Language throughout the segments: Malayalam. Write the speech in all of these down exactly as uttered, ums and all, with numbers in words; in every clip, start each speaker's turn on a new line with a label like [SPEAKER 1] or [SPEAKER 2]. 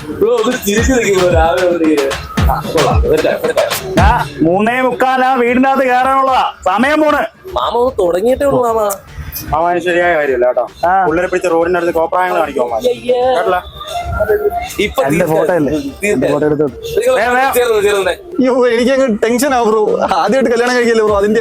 [SPEAKER 1] മൂന്നേ മുക്കാലാ വീടിന്റെ അകത്ത് കയറാനുള്ളതാ. സമയം പോണ്.
[SPEAKER 2] മാമ തുടങ്ങിയിട്ടേ ഉള്ളൂ മാമ.
[SPEAKER 3] മാമാന് ശരിയായ കാര്യമില്ല കേട്ടോ. പിള്ളേരെ പിടിച്ച റോഡിന്റെ അടുത്ത് കോപ്രായങ്ങൾ കാണിക്കുമോ?
[SPEAKER 1] ഫോട്ടോ അല്ലേ?
[SPEAKER 4] എനിക്കങ്ങ് ടെൻഷൻ ആവും ബ്രോ. ആദ്യമായിട്ട് കല്യാണം കഴിക്കല്ലേ ബ്രോ, അതിന്റെ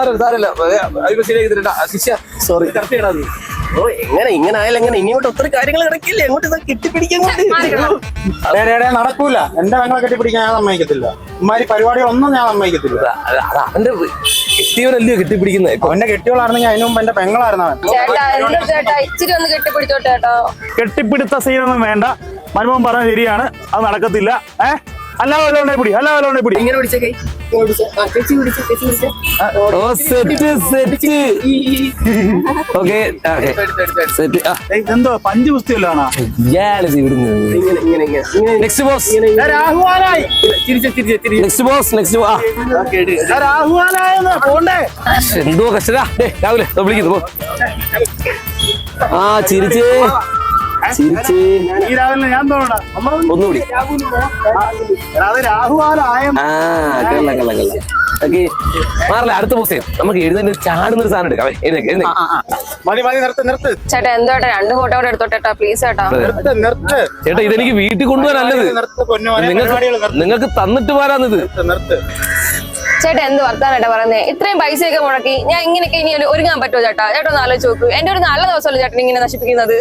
[SPEAKER 4] സോറി.
[SPEAKER 2] ഓ എങ്ങനെ ഇങ്ങനെ ആയാലും എങ്ങനെ ഇനിയോട്ട് ഒത്തിരി കാര്യങ്ങൾ കിടക്കില്ലേ? അങ്ങോട്ട് കെട്ടിപ്പിടിക്കാൻ
[SPEAKER 3] നടക്കൂല. എന്റെ പെങ്ങളെ കെട്ടിപ്പിടിക്കാൻ ഞാൻ സമ്മതിക്കത്തില്ല. ഇമാതിരി പരിപാടികളൊന്നും ഞാൻ സമ്മതിക്കത്തില്ല.
[SPEAKER 2] അവന്റെ കെട്ടിയവനല്ലയോ കെട്ടിപ്പിടിക്കുന്നത്.
[SPEAKER 3] അവന്റെ കെട്ടിയോളായിരുന്നെങ്കിൽ അതിനു മുമ്പ് എന്റെ പെങ്ങളായിരുന്നു അവൻ.
[SPEAKER 1] കെട്ടിപ്പിടുത്ത സീനൊന്നും വേണ്ട. മരുമോൻ പറഞ്ഞ ശരിയാണ്, അത് നടക്കത്തില്ല. ഏഹ് അല്ല വല്ലോണ്ടെ പിടി, അല്ല വല്ലോണ്ടെ പിടി.
[SPEAKER 2] ഇങ്ങനെ പിടിച്ച കൈ
[SPEAKER 1] എന്തോ പഞ്ച് പുസ്തകല്ലാണ്.
[SPEAKER 2] എന്തോ കഷ്ടരാ രാവിലെ വിളിക്കുന്നു. ആ ചിരിച്ചേ ചിരിച്ചേ
[SPEAKER 1] ഈ രാവിലെ ഞാൻ തോന്നണ
[SPEAKER 2] ഒന്നുകൂടി. മാറില്ല. അടുത്ത പുസ്തകം നമുക്ക് എഴുതുന്ന ചാടുന്നൊരു സാധനം എടുക്കാം.
[SPEAKER 5] ചേട്ടാ എന്തോട്ടെ രണ്ട് ഫോട്ടോ കൂടെ എടുത്തോട്ടെ പ്ലീസ് ചേട്ടാ.
[SPEAKER 2] ചേട്ടാ ഇതെനിക്ക് വീട്ടിൽ കൊണ്ടുപോകാനല്ലത്, നിങ്ങൾക്ക് നിങ്ങൾക്ക് തന്നിട്ട് പോരാന്നിത്.
[SPEAKER 5] ചേട്ടാ എന്ത് വർത്താനായിട്ടാ പറയുന്നേ? ഇത്രയും പൈസയൊക്കെ മുടക്കി ഞാൻ ഇങ്ങനെയൊക്കെ ഇനി ഒരുങ്ങാൻ പറ്റുമോ ചേട്ടാ? ചേട്ടാ ഒന്ന് ആലോചിച്ച് നോക്കൂ. എന്റെ ഒരു നല്ല ദിവസമല്ലേ ചേട്ടൻ ഇങ്ങനെ നശിപ്പിക്കുന്നത്?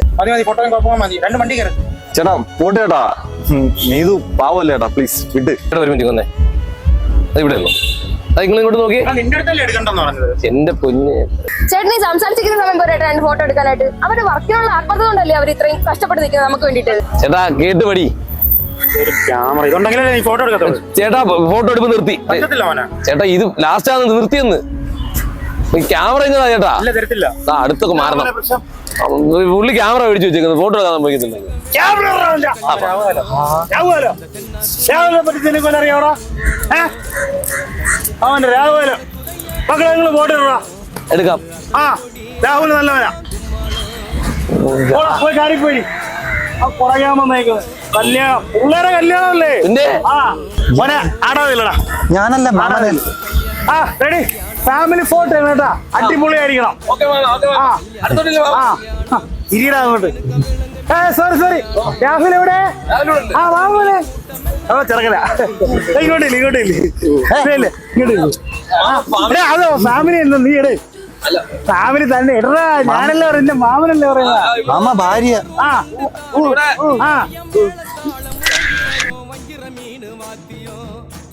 [SPEAKER 4] ചേട്ടാ പോട്ടെ ചേട്ടാ. നീതു പാവല്ലേ ചേട്ടാ, പ്ലീസ് വിട്ട്.
[SPEAKER 2] ഒരു മിനിറ്റ് വന്നേ. അത് ഇവിടെ ഉള്ളൂ. അത് നിങ്ങൾ ഇങ്ങോട്ട് നോക്കി. എന്റെ പൊന്ന്
[SPEAKER 5] ചേട്ടൻ ഈ സംസാരിച്ചിരിക്കുന്ന സമയം പോരാ രണ്ട് ഫോട്ടോ എടുക്കാനായിട്ട്. അവരുടെ വർക്കിനുള്ള ആത്മകഥ കൊണ്ടല്ലേ അവർ ഇത്രയും കഷ്ടപ്പെട്ട് നിൽക്കുന്നത് നമുക്ക് വേണ്ടിട്ട്.
[SPEAKER 2] ചേട്ടാ കേട്ട് പടി.
[SPEAKER 3] ക്യാമറ ഇതുണ്ടെങ്കിലേ നീ ഫോട്ടോ എടുക്കത്തുള്ളൂ.
[SPEAKER 2] ചേട്ടാ ഫോട്ടോ എടുപ്പ് നിർത്തി. ചേട്ടാ ഇത് ലാസ്റ്റ് ആണ് നിർത്തിയെന്ന്. ക്യാമറ ഇങ്ങതാ ചേട്ടാ. ആ അടുത്തൊക്കെ മാറണം. പുള്ളി ക്യാമറ മേടിച്ചു വെച്ചേക്കുന്നത് ഫോട്ടോ എടുക്കാൻ സംഭവിക്കുന്നുണ്ടെങ്കിൽ.
[SPEAKER 1] അവന്റെ രാഹുലോ മക്കളെ നിങ്ങൾ ഫോട്ടോ
[SPEAKER 2] എടുക്കാം.
[SPEAKER 1] ആ രാഹുല് നല്ലവനാ. പോയി കാറി പോയി പുറകെ വന്നേക്കുന്നത്. കല്യാണം പിള്ളേരെ കല്യാണമല്ലേ? ആ മോനെ അടവില്ലടാ.
[SPEAKER 4] ഞാനല്ല മാമനെ.
[SPEAKER 1] ആ റെഡി. ഫാമിലി ഫോട്ടോ കേട്ടാ, അടിപൊളിയായിരിക്കണം. ഇരിടാ അങ്ങോട്ട്. ഏ സോറി സോറി രാഹുൽ എവിടെ? ആ വാമോനെ. ഓ ചെറുക്കല ഇങ്ങോട്ടില്ല ഇങ്ങോട്ടില്ല ഇങ്ങോട്ടില്ല. അതോ ഫാമിലി അല്ല നീ ഇടേ. ഫാമിലി തന്നെ ഇടറാ. ഞാനല്ലേ പറയുന്ന മാമനല്ലേ പറയുന്ന.
[SPEAKER 4] മാമ ഭാര്യ.
[SPEAKER 1] ആ ആ